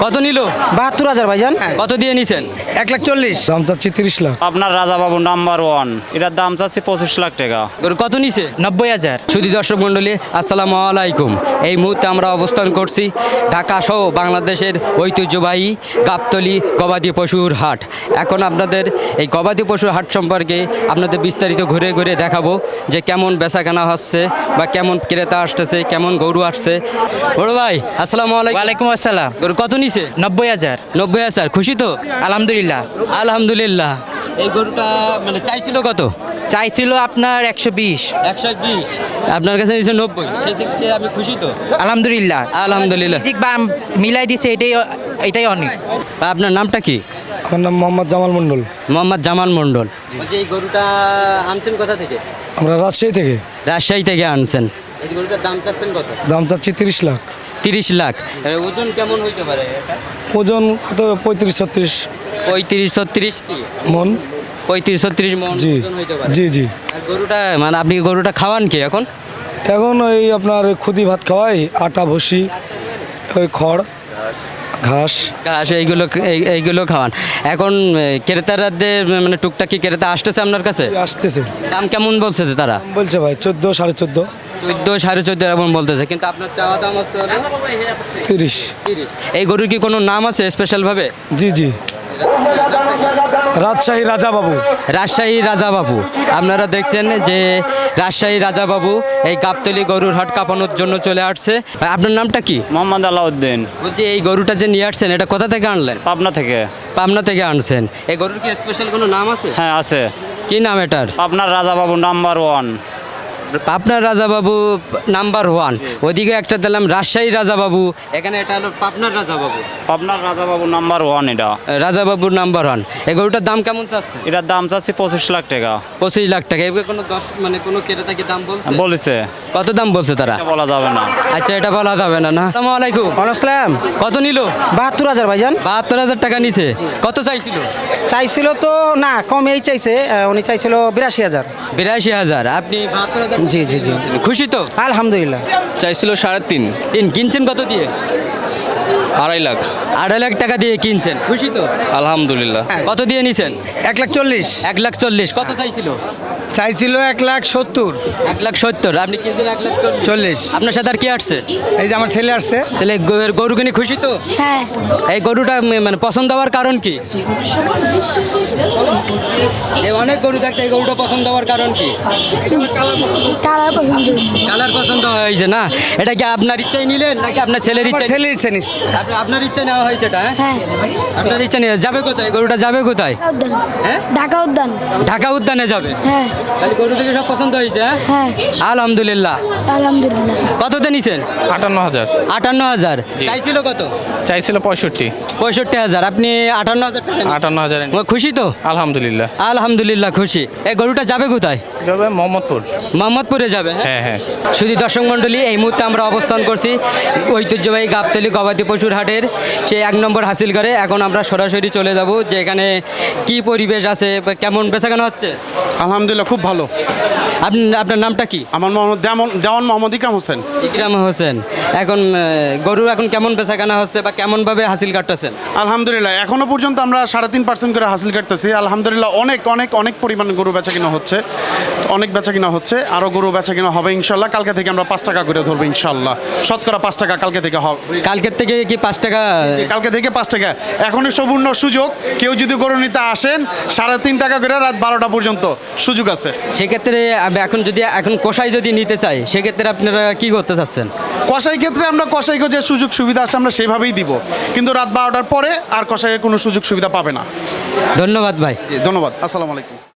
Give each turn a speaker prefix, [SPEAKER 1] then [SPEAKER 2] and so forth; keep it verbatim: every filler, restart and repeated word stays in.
[SPEAKER 1] কত নিল?
[SPEAKER 2] বাহাত্তর হাজার ভাইজান।
[SPEAKER 1] কত দিয়ে নিছেন?
[SPEAKER 2] এক লাখ চল্লিশ।
[SPEAKER 3] দাম চাচ্ছি তিরিশ লাখ।
[SPEAKER 4] আপনার রাজাবাবু নাম্বার ওয়ান, এটার দাম চাচ্ছি পঁচিশ লাখ টাকা।
[SPEAKER 1] গরু কত নিছে?
[SPEAKER 2] নব্বই হাজার।
[SPEAKER 1] সুধী দর্শক মণ্ডলী, আসসালামু আলাইকুম। এই মুহূর্তে আমরা অবস্থান করছি ঢাকা সহ বাংলাদেশের ঐতিহ্যবাহী গাবতলী গবাদি পশুর হাট। এখন আপনাদের এই গবাদি পশুর হাট সম্পর্কে আপনাদের বিস্তারিত ঘুরে ঘুরে দেখাবো যে কেমন বেচাকেনা হচ্ছে বা কেমন ক্রেতা আসতেছে, কেমন গরু আসছে। বড় ভাই আসসালামু আলাইকুম।
[SPEAKER 2] ওয়ালাইকুম আসসালাম।
[SPEAKER 1] গরু কত নিছে?
[SPEAKER 2] নব্বই হাজার।
[SPEAKER 1] নব্বই হাজার। খুশি তো?
[SPEAKER 2] আলহামদুলিল্লাহ।
[SPEAKER 1] আলহামদুলিল্লাহ। এই গরুটা মানে চাইছিল কত?
[SPEAKER 2] চাইছিল আপনার একশো বিশ।
[SPEAKER 1] একশো বিশ। আপনার কাছে নিচ্ছে নব্বই। সেই দিক থেকে আমি খুশি তো?
[SPEAKER 2] আলহামদুলিল্লাহ।
[SPEAKER 1] আলহামদুলিল্লাহ।
[SPEAKER 2] ঠিক বা মিলাই দিছে, এটাই এটাই অনেক।
[SPEAKER 1] আপনার নামটা কি?
[SPEAKER 3] আমার নাম মোহাম্মদ জামাল মণ্ডল।
[SPEAKER 1] মোহাম্মদ জামান মণ্ডল। বলছি এই গরুটা আনছেন কোথা থেকে?
[SPEAKER 3] আমরা রাজশাহী থেকে।
[SPEAKER 1] রাজশাহী থেকে আনছেন। এই গরুটার দাম চাচ্ছেন কত?
[SPEAKER 3] দাম চাচ্ছি তিরিশ লাখ।
[SPEAKER 1] তিরিশ লাখ। এর ওজন কেমন হইতে পারে এটা?
[SPEAKER 3] ওজন কত? পঁয়ত্রিশ ছত্রিশ
[SPEAKER 1] পঁয়ত্রিশ ছত্রিশ কি
[SPEAKER 3] মন।
[SPEAKER 1] পঁয়ত্রিশ ছত্রিশ মন
[SPEAKER 3] জি
[SPEAKER 1] ওজন হইতে পারে।
[SPEAKER 3] জি জি।
[SPEAKER 1] আর গরুটা মানে আপনি গরুটা খাওয়ান কি এখন?
[SPEAKER 3] এখন ওই আপনার খুদি ভাত খাওয়াই, আটা ভুসি, ওই খড় ঘাস।
[SPEAKER 1] ঘাস এইগুলো এই- এইগুলো খাওয়ান। এখন এ, ক্রেতারাদের মানে টুকটাকি ক্রেতা আসতেছে আপনার কাছে?
[SPEAKER 3] আসতেছে।
[SPEAKER 1] দাম কেমন বলছে যে তারা?
[SPEAKER 3] দাম বলছে ভাই চোদ্দো সাড়ে চোদ্দো
[SPEAKER 1] চোদ্দ সাড়ে চোদ্দ এরকম বলতেছে, কিন্তু আপনার চাওয়া দাম আছে হলো
[SPEAKER 3] তিরিশ।
[SPEAKER 1] তিরিশ। এই গরুর কি কোনো নাম আছে স্পেশালভাবে?
[SPEAKER 3] জি জি। রাজশাহী রাজা বাবু।
[SPEAKER 1] রাজশাহী রাজাবাবু। আপনারা দেখছেন যে রাজশাহী রাজাবাবু এই গাবতলী গরুর হাট কাঁপানোর জন্য চলে আসছে। ভাই, আপনার নামটা কি?
[SPEAKER 4] মোহাম্মদ আলাউদ্দিন,
[SPEAKER 1] বলছি এই গরুটা যে নিয়ে আসছেন এটা কোথা থেকে আনলেন?
[SPEAKER 4] পাবনা থেকে।
[SPEAKER 1] পাবনা থেকে আনছেন। এই গরুর কি স্পেশাল কোনো নাম আছে?
[SPEAKER 4] হ্যাঁ আছে।
[SPEAKER 1] কি নাম এটার?
[SPEAKER 4] আপনার রাজাবাবু নাম্বার ওয়ান।
[SPEAKER 1] পাবনার রাজাবাবু নাম্বার ওয়ান। ওদিকে একটা দিলাম রাজশাহী রাজাবাবু, এখানে এটা হলো পাবনার রাজাবাবু।
[SPEAKER 4] আপনার রাজাবাবু নাম্বার ওয়ান এটা।
[SPEAKER 1] রাজাবাবুর নাম্বার ওয়ান। এই গরুটার দাম কেমন চাচ্ছে?
[SPEAKER 4] এটার দাম চাচ্ছি পঁচিশ লাখ টাকা।
[SPEAKER 1] পঁচিশ লাখ টাকা। এবার কোনো দশ মানে কোনো ক্রেতা কি দাম বলছে?
[SPEAKER 4] বলেছে
[SPEAKER 1] কত দাম বলছে তারা?
[SPEAKER 4] এটা বলা যাবে না।
[SPEAKER 1] আচ্ছা, এটা বলা যাবে না না। আসসালামু আলাইকুম।
[SPEAKER 2] আসসালাম।
[SPEAKER 1] কত নিল?
[SPEAKER 2] বাহাত্তর হাজার ভাইজান।
[SPEAKER 1] বাহাত্তর হাজার টাকা নিছে। কত চাইছিল?
[SPEAKER 2] চাইছিল তো না, কমেই চাইছে। আহ, উনি চাইছিল বিরাশি হাজার।
[SPEAKER 1] বিরাশি হাজার। আপনি বাহাত্তর হাজার?
[SPEAKER 2] জি, জি, জি।
[SPEAKER 1] খুশি তো?
[SPEAKER 2] আলহামদুলিল্লাহ।
[SPEAKER 5] চাইছিল সাড়ে তিন।
[SPEAKER 1] তিন। কিনছেন কত দিয়ে?
[SPEAKER 5] আড়াই লাখ।
[SPEAKER 1] আড়াই লাখ টাকা দিয়ে কিনছেন। খুশি তো?
[SPEAKER 5] আলহামদুলিল্লাহ।
[SPEAKER 1] কত দিয়ে নিছেন?
[SPEAKER 3] এক লাখ চল্লিশ।
[SPEAKER 1] এক লাখ চল্লিশ। কত চাইছিল?
[SPEAKER 3] চাইছিল এক লাখ সত্তর।
[SPEAKER 1] এক লাখ সত্তর। আপনি কিনছেন এক লাখ চল্লিশ।
[SPEAKER 3] চল্লিশ।
[SPEAKER 1] আপনার সাথে আর কি আসছে?
[SPEAKER 3] এই যে আমার ছেলে আসছে।
[SPEAKER 1] তাহলে গরু- গরু কিনে খুশি তো?
[SPEAKER 6] হ্যাঁ,
[SPEAKER 1] এই গরুটা ম- মানে পছন্দ হওয়ার কারণ কি? এই অনেক গরু থাকতে এই গরুটা পছন্দ হওয়ার কারণ কি?
[SPEAKER 6] কালার পছন্দ হয়েছে।
[SPEAKER 1] কালার পছন্দ হয়েছে না? এটা কি আপনার ইচ্ছাই নিলেন নাকি আপনার ছেলের
[SPEAKER 3] আমার
[SPEAKER 1] ইচ্ছাই?
[SPEAKER 3] ছেলের ইচ্ছে নিস।
[SPEAKER 1] আপনি- আপনার ইচ্ছা নেওয়া হয়েছে এটা? হ্যাঁ?
[SPEAKER 6] হ্যাঁ,
[SPEAKER 1] আপনার ইচ্ছা নিয়ে যাবে কোথায়? গরুটা যাবে কোথায়?
[SPEAKER 6] ঢাকা উদ্যান।
[SPEAKER 1] হ্যাঁ?
[SPEAKER 6] ঢাকা উদ্যান।
[SPEAKER 1] ঢাকা উদ্যানে যাবে।
[SPEAKER 6] হ্যাঁ,
[SPEAKER 1] তাহলে গরু থেকে সব পছন্দ হয়েছে? হ্যাঁ?
[SPEAKER 6] হ্যাঁ,
[SPEAKER 1] আলহামদুলিল্লাহ।
[SPEAKER 6] আলহামদুলিল্লাহ।
[SPEAKER 1] কততে নিছেন?
[SPEAKER 5] আটান্ন হাজার।
[SPEAKER 1] আটান্ন হাজার। চাইছিল কত?
[SPEAKER 5] চাইছিল পঁয়ষট্টি।
[SPEAKER 1] পঁয়ষট্টি হাজার। আপনি আটান্ন হাজার টাকা নিছেন।
[SPEAKER 5] আটান্ন হাজার।
[SPEAKER 1] ও, খুশি তো?
[SPEAKER 5] আলহামদুলিল্লাহ।
[SPEAKER 1] আলহামদুলিল্লাহ খুশি। এই গরুটা যাবে কোথায়?
[SPEAKER 5] যাবে মোহাম্মদপুর।
[SPEAKER 1] মোহাম্মদপুরে যাবে। হ্যাঁ?
[SPEAKER 5] হ্যাঁ হ্যাঁ।
[SPEAKER 1] শুধু দর্শক মণ্ডলী, এই মুহূর্তে আমরা অবস্থান করছি ঐতিহ্যবাহী গাবতলী গবাদি পশুর হাটের সেই এক নম্বর হাসিল করে। এখন আমরা সরাসরি চলে যাব যে এখানে কি পরিবেশ আছে বা কেমন বেচাকেনা হচ্ছে।
[SPEAKER 7] আলহামদুলিল্লাহ খুব ভালো।
[SPEAKER 1] আপনি আপনার নামটা কি?
[SPEAKER 7] আমার মোহাম্মদ দেওয়ান দেওয়ান মোহাম্মদ ইকরাম হোসেন।
[SPEAKER 1] ইকরাম হোসেন। এখন আহ, গরু এখন কেমন বেচাকেনা হচ্ছে বা কেমনভাবে হাসিল কাটতেছেন?
[SPEAKER 7] আলহামদুলিল্লাহ এখনো পর্যন্ত আমরা সাড়ে তিন পার্সেন্ট করে হাসিল কাটতেছি। আলহামদুলিল্লাহ অনেক অনেক অনেক পরিমাণে গরু বেচা কিনা হচ্ছে, অনেক বেচা কিনা হচ্ছে, আরও গরু বেচা কিনা হবে ইনশাল্লাহ। কালকে থেকে আমরা পাঁচ টাকা করে ধরবো ইনশাল্লাহ। শতকরা পাঁচ টাকা কালকে থেকে হবে।
[SPEAKER 1] কালকের থেকে কি পাঁচ টাকা?
[SPEAKER 7] কালকে থেকে পাঁচ টাকা। এখনই সুবর্ণ সুযোগ, কেউ যদি গরু নিতে আসেন সাড়ে তিন টাকা করে রাত বারোটা পর্যন্ত সুযোগ আছে।
[SPEAKER 1] সেক্ষেত্রে আমি এখন যদি এখন কষাই যদি নিতে চাই সেক্ষেত্রে আপনারা কি করতে চাচ্ছেন?
[SPEAKER 7] কসাই ক্ষেত্রে আমরা কসাইকে যে সুযোগ সুবিধা আছে আমরা সেভাবেই দিব, কিন্তু রাত বারোটার পরে আর কসাইয়ের কোনো সুযোগ সুবিধা পাবে না।
[SPEAKER 1] ধন্যবাদ ভাই।
[SPEAKER 7] ধন্যবাদ। আসসালামু আলাইকুম।